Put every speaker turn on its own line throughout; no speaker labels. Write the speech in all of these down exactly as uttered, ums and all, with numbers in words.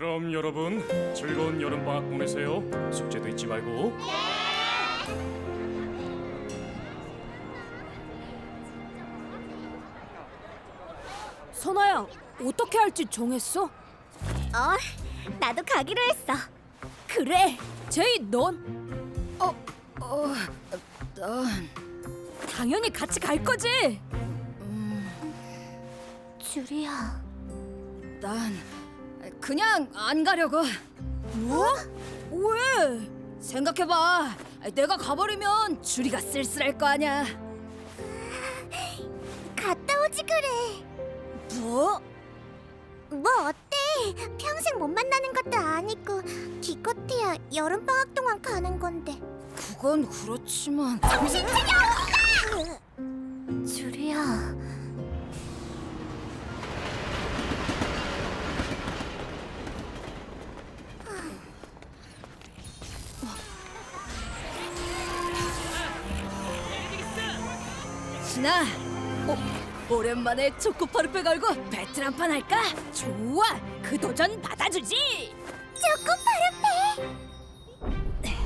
그럼 여러분 즐거운 여름방학 보내세요. 숙제도 잊지 말고.
선아야, 어떻게 할지 정했어?
어, 나도 가기로 했어.
그래, 제이 넌? 어, 어, 난 당연히 같이 갈 거지.
주리야.
난 그냥 안 가려고. 뭐? 왜? 생각해봐. 내가 가버리면 주리가 쓸쓸할 거 아니야.
갔다 오지 그래.
뭐?
뭐 어때? 평생 못 만나는 것도 아니고 기껏해야 여름방학 동안 가는 건데.
그건 그렇지만.
정신 차려! 주리야.
진아, 어, 오랜만에 초코파르페 걸고 배틀 한 판 할까? 좋아, 그 도전 받아주지.
초코파르페.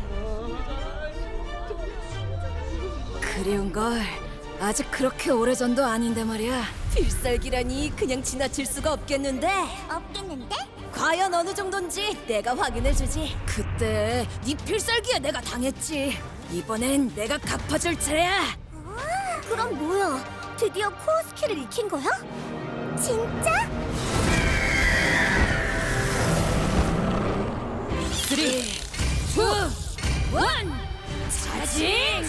그리운 걸 아직 그렇게 오래전도 아닌데 말이야. 필살기라니 그냥 지나칠 수가 없겠는데.
없겠는데?
과연 어느 정도인지 내가 확인해주지. 그때 네 필살기에 내가 당했지. 이번엔 내가 갚아줄 차례야.
아, 그럼 뭐야? 드디어 코어 스킬을 익힌 거야? 진짜?
쓰리, 투, 원, 차징!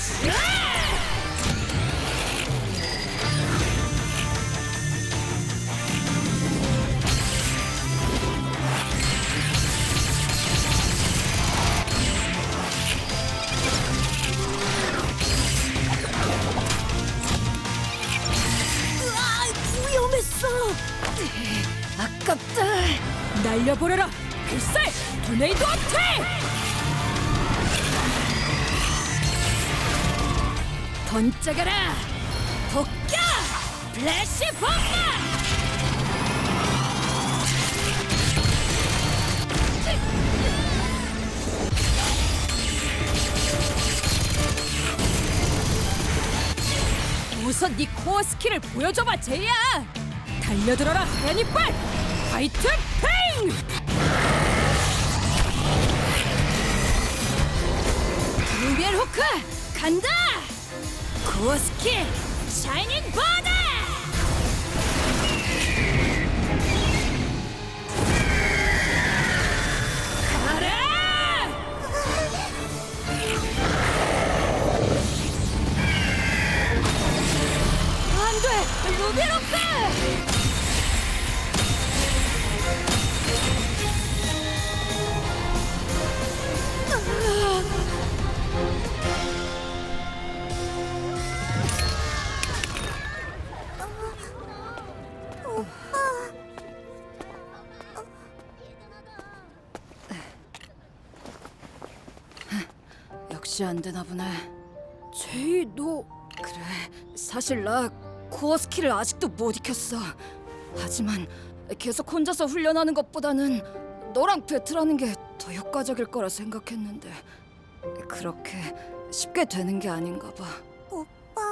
으아, 위험했어. 아깝다. 날려보내라. 필살 토네이도 어택! 번쩍여라. 복겨 플래시 bomba! 우선 네 코어 스킬을 보여줘봐, 제이야. 달려들어라, 하얀 이빨! 화이트 팽! 루비엘 호크 간다! 코어 스킬 샤이닝 바다! 가라! 안돼! 루비엘 호크! 역시 안 되나 보네. 제이, 너 그래. 사실 나 코어 스킬을 아직도 못 익혔어. 하지만 계속 혼자서 훈련하는 것보다는 너랑 배틀하는 게 더 효과적일 거라 생각했는데 그렇게 쉽게 되는 게 아닌가 봐.
오빠.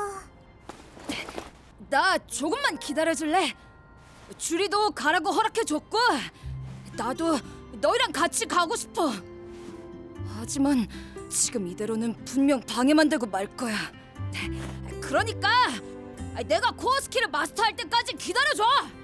나 조금만 기다려줄래? 주리도 가라고 허락해줬고 나도 너희랑 같이 가고 싶어. 하지만 지금 이대로는 분명 방해만 되고 말 거야. 그러니까 내가 코어 스킬을 마스터할 때까지 기다려줘.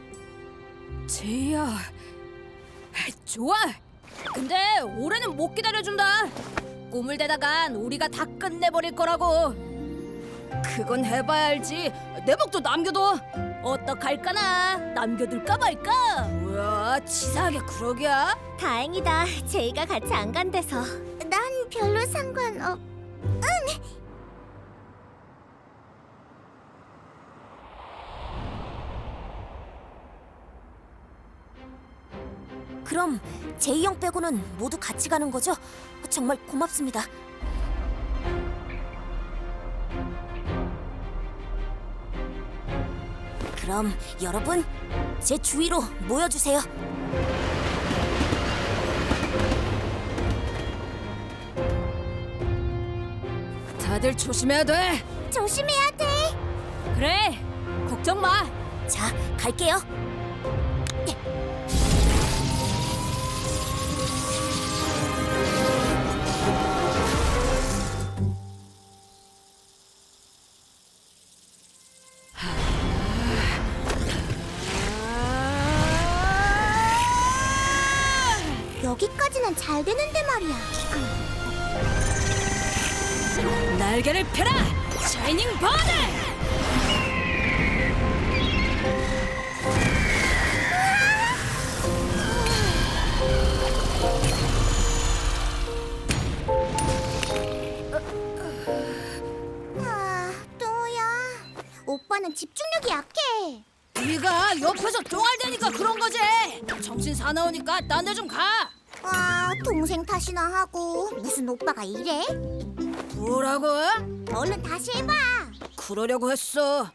제이야, 좋아. 근데 올해는 못 기다려준다. 꿈을 대다간 우리가 다 끝내버릴 거라고. 그건 해봐야 알지. 내 목도 남겨둬. 어떡할까나. 남겨둘까 말까. 뭐야, 치사하게 그러기야.
다행이다. 제이가 같이 안 간대서. 난 별로 상관없. 그럼 제이 형 빼고는 모두 같이 가는 거죠? 정말 고맙습니다. 그럼 여러분, 제 주위로 모여주세요.
다들 조심해야 돼.
조심해야 돼.
그래, 걱정 마.
자, 갈게요. 여기까지는 잘 되는데 말이야.
날개를 펴라, 샤이닝 버드!
아, 또야. 오빠는 집중력이 약해.
네가 옆에서 쫑알대니까 그런 거지. 정신 사나우니까 딴 데 좀 가.
아, 동생 탓이나 하고 무슨 오빠가 이래?
뭐라고?
얼른 다시 해봐.
그러려고 했어.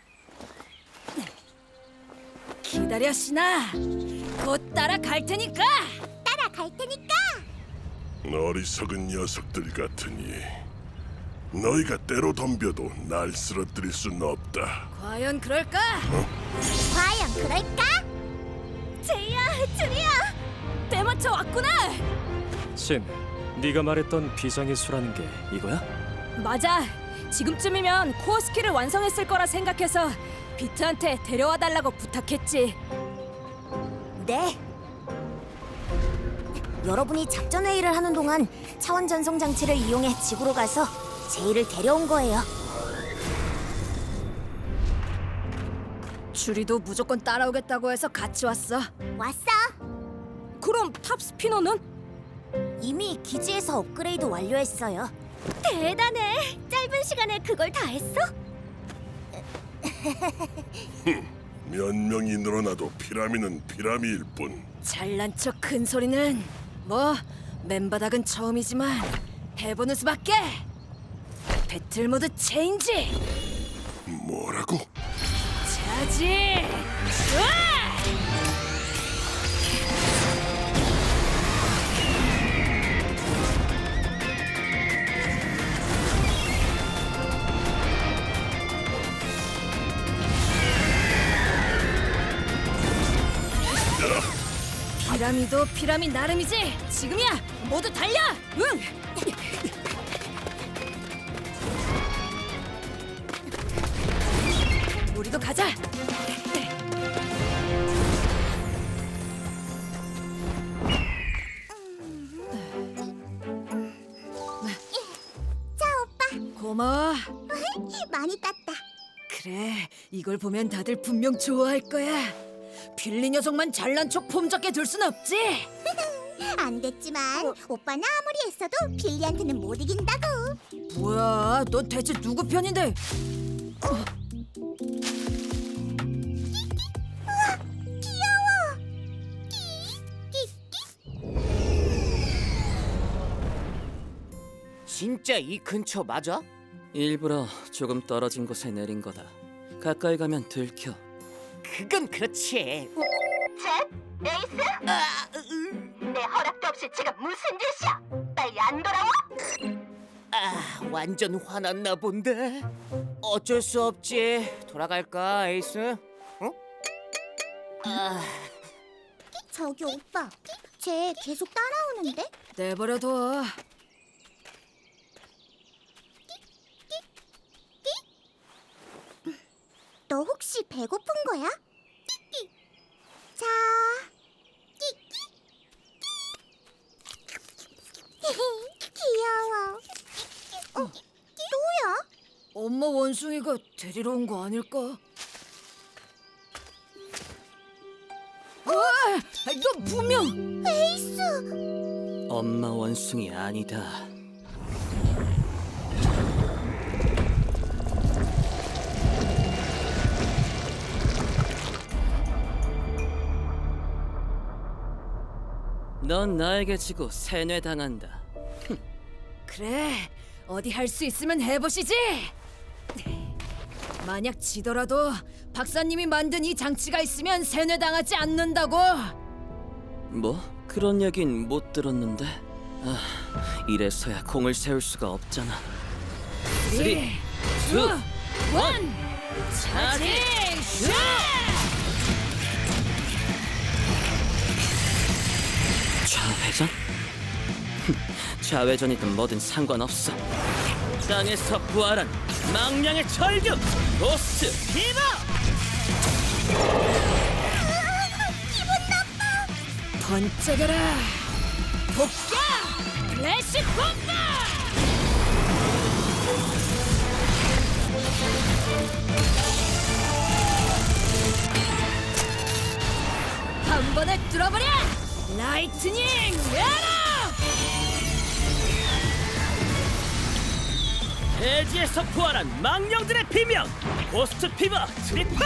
기다려, 신아. 곧 따라갈 테니까.
따라갈 테니까.
어리석은 녀석들 같으니 너희가 때로 덤벼도 날 쓰러뜨릴 순 없다.
과연 그럴까?
과연 그럴까? 제이야, 준이야.
때맞춰 왔구나.
신, 네가 말했던 비장의 수라는 게 이거야?
맞아. 지금쯤이면 코어 스킬을 완성했을 거라 생각해서 비트한테 데려와 달라고 부탁했지.
네. 여러분이 작전 회의를 하는 동안 차원 전송 장치를 이용해 지구로 가서 제이를 데려온 거예요.
주리도 무조건 따라오겠다고 해서 같이 왔어.
왔어.
그럼 탑 스피너는?
이미 기지에서 업그레이드 완료했어요. 대단해. 짧은 시간에 그걸 다 했어?
몇 명이 늘어나도 피라미는 피라미일 뿐.
잘난 척 큰 소리는 뭐 맨바닥은 처음이지만 해보는 수밖에. 배틀 모드 체인지.
뭐라고?
차지. 으아! 피라미도 피라미 나름이지. 지금이야. 모두 달려. 응. 우리도 가자.
자, 오빠.
고마워.
많이 땄다.
그래, 이걸 보면 다들 분명 좋아할 거야. 빌리 녀석만 잘난 척 폼잡게 둘 순 없지.
안 됐지만 오빠는 아무리 했어도 빌리한테는 못 이긴다고.
뭐야, 넌 대체 누구 편인데?
귀여워.
진짜 이 근처 맞아?
일부러 조금 떨어진 곳에 내린 거다. 가까이 가면 들켜.
그건 그렇지.
젯, 에이스? 내 허락도 없이 지금 무슨 짓이야? 빨리 안 돌아와?
아, 완전 화났나 본데. 어쩔 수 없지. 돌아갈까, 에이스? 응? 아,
저기 오빠, 쟤 계속 따라오는데?
내버려둬.
너 혹시 배고픈 거야? 자, 귀여워. 어, 또야?
엄마 원숭이가 데리러 온 거 아닐까? 와, 너 분명
에이스.
엄마 원숭이 아니다. 넌 나에게 지고 세뇌당한다.
그래. 어디 할 수 있으면 해보시지. 만약 지더라도 박사님이 만든 이 장치가 있으면 세뇌당하지 않는다고.
뭐? 그런 얘긴 못 들었는데. 아, 이래서야 공을 세울 수가 없잖아. 쓰리, 투, 원, 차징 슛! 좌회전? 좌회전이든 뭐든 상관없어. 땅에서 부활한 망령의 절규 고스트 피버!
번쩍여라 복귀 플래시 bomba! 한 번에 뚫어버려 라이트닝 에러!
대지에서 부활한 망령들의 비명 고스트 피버 트리플!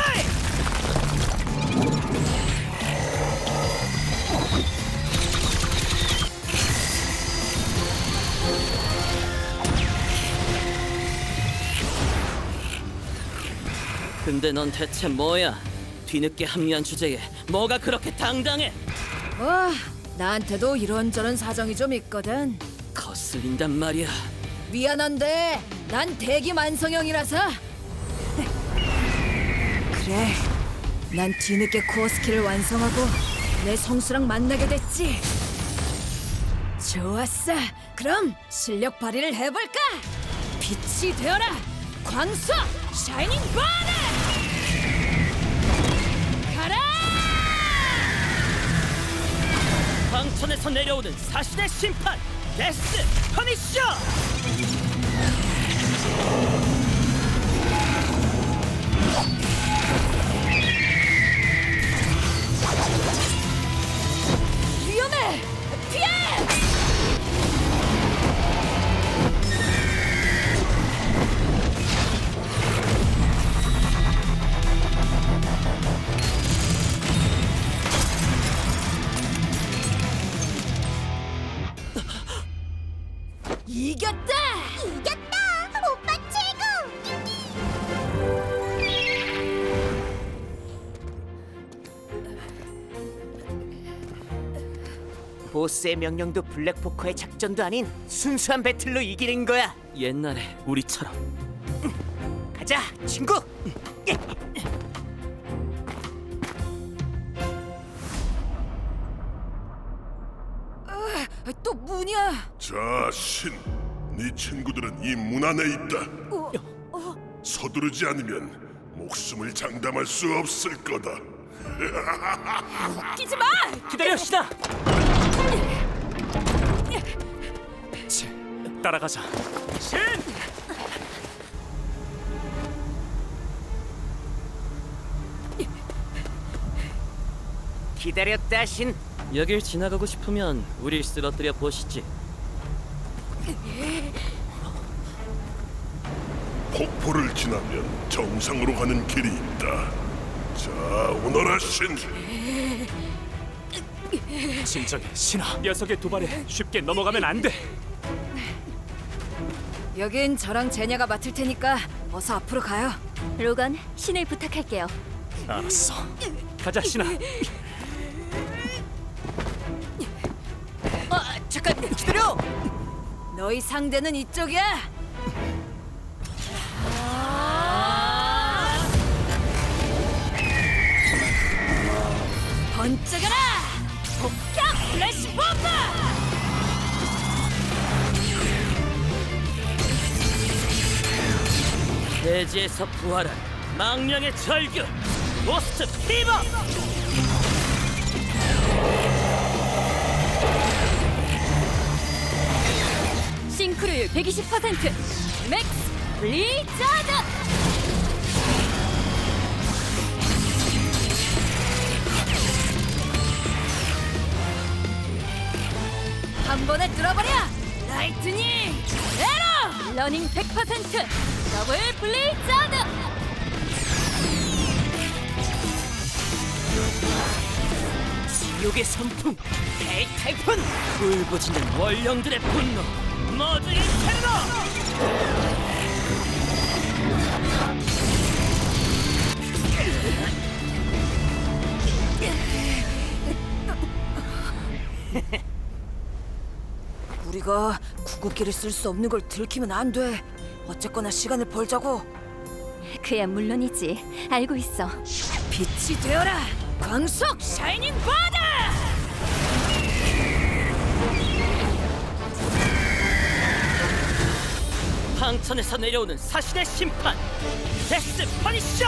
근데 넌 대체 뭐야? 뒤늦게 합류한 주제에 뭐가 그렇게 당당해?
뭐 나한테도 이런저런 사정이 좀 있거든.
거슬린단 말이야.
미안한데 난 대기 만성형이라서. 그래, 난 뒤늦게 코어 스킬을 완성하고 내 성수랑 만나게 됐지. 좋았어, 그럼 실력 발휘를 해볼까? 빛이 되어라 광수 샤이닝 바네! 가라!
광천에서 내려오는 사신의 심판 데스 퍼니셔!
위험해! 피해! 이겼다!
이겼다! 오빠 최고!
보스의 명령도 블랙포커의 작전도 아닌 순수한 배틀로 이기는 거야.
옛날에 우리처럼.
가자, 친구.
또 문이야!
자신, 네 친구들은 이 문 안에 있다.
어,
서두르지 않으면 목숨을 장담할 수 없을 거다.
끼지 마!
기다려, 신아!
치, 따라가자. 신!
기다렸다, 신.
여길 지나가고 싶으면 우릴 쓰러뜨려 보시지.
폭포를 지나면 정상으로 가는 길이 있다. 자, 오너라 신.
진정해, 신아. 녀석의 도발에 쉽게 넘어가면 안 돼.
여긴 저랑 제냐가 맡을 테니까 어서 앞으로 가요.
로건, 신을 부탁할게요.
알았어. 가자, 신아.
아, 잠깐 기다려.
너희 상대는 이쪽이야. 번쩍여라! 폭격 플래시 bomba!
대지에서 부활한 망령의 절규 고스트 피버!
싱크로율 백이십 퍼센트 맥스 블리자드! 한 번에 뚫어버려! 라이트닝 에러! 러닝 백 퍼센트 더블 블리자드!
지옥의 선풍 대탈푼
울부짖는 원령들의 분노 모두 인ferno!
우리가 구급기를 쓸 수 없는 걸 들키면 안 돼. 어쨌거나 시간을 벌자고.
그야 물론이지. 알고 있어.
빛이 되어라. 광석 샤이닝 바다.
황천에서 내려오는 사신의 심판 데스 퍼니셔.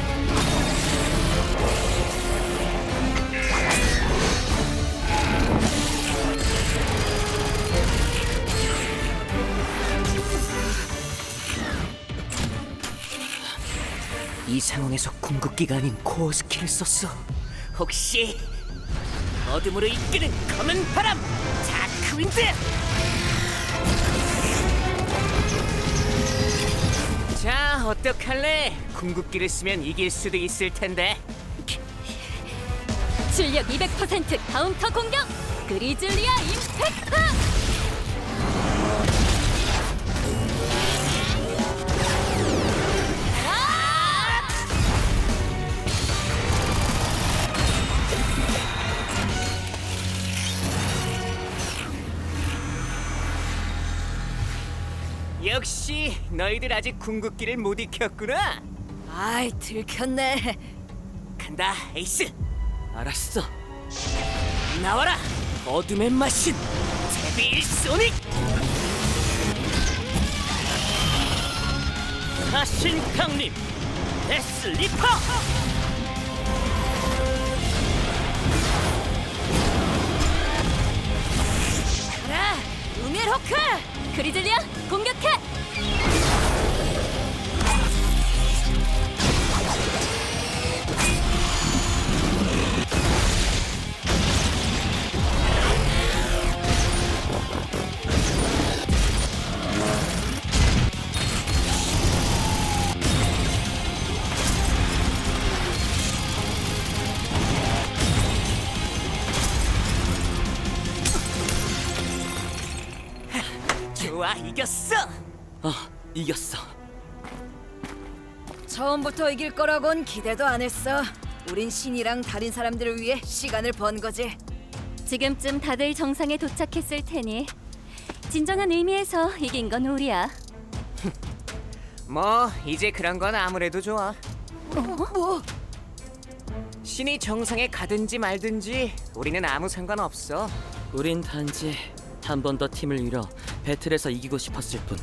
이 상황에서 궁극기가 아닌 코어 스킬을 썼어. 혹시 어둠으로 이끄는 검은 바람 다크윈드. 자, 어떡할래? 궁극기를 쓰면 이길 수도 있을 텐데.
출력 이백 퍼센트 카운터 공격. 그리즐리아 임팩트.
역시 너희들 아직 궁극기를 못 익혔구나.
아이 들켰네.
간다, 에이스.
알았어.
나와라, 어둠의 마신 데빌 소닉.
사신 강림 데스 리퍼.
가라. 우멜 호크. 그리즐리아 공격해.
좋아, 이겼어.
어, 이겼어.
처음부터 이길 거라곤 기대도 안 했어. 우린 신이랑 다른 사람들을 위해 시간을 번 거지.
지금쯤 다들 정상에 도착했을 테니 진정한 의미에서 이긴 건 우리야.
뭐 이제 그런 건 아무래도 좋아.
뭐?
신이 정상에 가든지 말든지 우리는 아무 상관 없어.
우린 단지 한 번 더 팀을 이뤄 배틀에서 이기고 싶었을 뿐.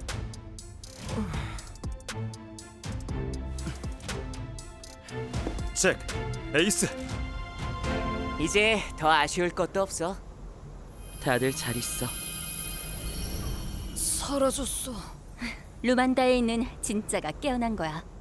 잭, 에이스.
이제 더 아쉬울 것도 없어.
다들 잘 있어.
사라졌어.
루만다에 있는 진짜가 깨어난 거야.